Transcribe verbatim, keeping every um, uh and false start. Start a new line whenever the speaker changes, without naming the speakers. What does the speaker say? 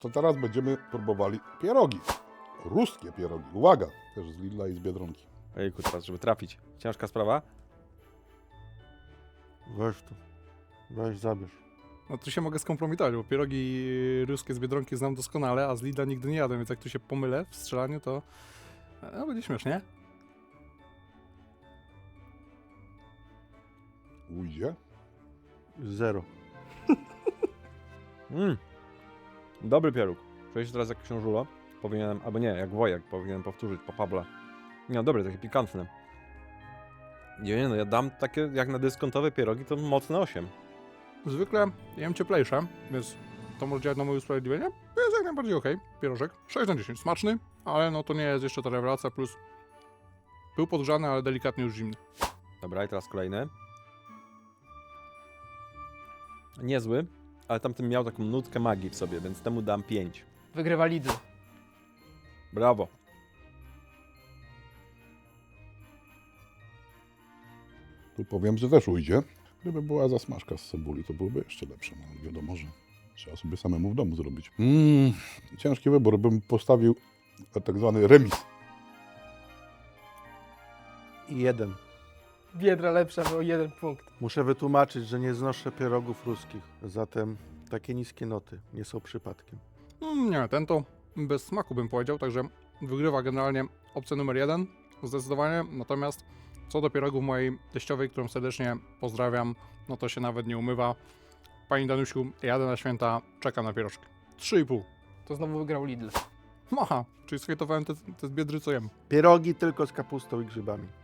To teraz będziemy próbowali pierogi. Ruskie pierogi. Uwaga! Też z Lidla i z Biedronki.
Ejku, teraz, żeby trafić. Ciężka sprawa.
Weź tu. Weź, zabierz.
No tu się mogę skompromitować, bo pierogi ruskie z Biedronki znam doskonale, a z Lidla nigdy nie jadłem, więc jak tu się pomylę w strzelaniu, to no, będzie śmiesznie.
Ujdzie.
Zero.
Mm. Dobry pieróg. Przejść teraz jak książulo. Powinienem, albo nie, jak Wojek. Powinienem powtórzyć po Pawle. Nie, dobre, takie pikantne. Nie, nie, no ja dam takie, jak na dyskontowe pierogi, to mocne osiem.
Zwykle jem cieplejsze, więc to może działać na moje usprawiedliwienie. Jest jak najbardziej okej. Pierożek. sześć na dziesięć. Smaczny, ale no to nie jest jeszcze ta rewelacja, plus był podgrzany, ale delikatnie już zimny.
Dobra, i teraz kolejny. Niezły, ale tamten miał taką nutkę magii w sobie, więc temu dam pięć.
Wygrywa Lidl.
Brawo.
Tu powiem, że też ujdzie. Gdyby była zasmażka z cebuli, to byłoby jeszcze lepsze. No, ale wiadomo, że trzeba sobie samemu w domu zrobić. Mm, ciężki wybór. Bym postawił tak zwany remis.
I jeden.
Biedra lepsza, bo jeden punkt.
Muszę wytłumaczyć, że nie znoszę pierogów ruskich. Zatem takie niskie noty nie są przypadkiem.
Mm, nie, ten to bez smaku bym powiedział, także wygrywa generalnie opcja numer jeden, zdecydowanie. Natomiast co do pierogów mojej teściowej, którą serdecznie pozdrawiam, no to się nawet nie umywa. Pani Danusiu, jadę na święta, czekam na pierożki. trzy i pół.
To znowu wygrał Lidl.
Aha, czyli schejtowałem te, te z Biedry, co jem.
Pierogi tylko z kapustą i grzybami.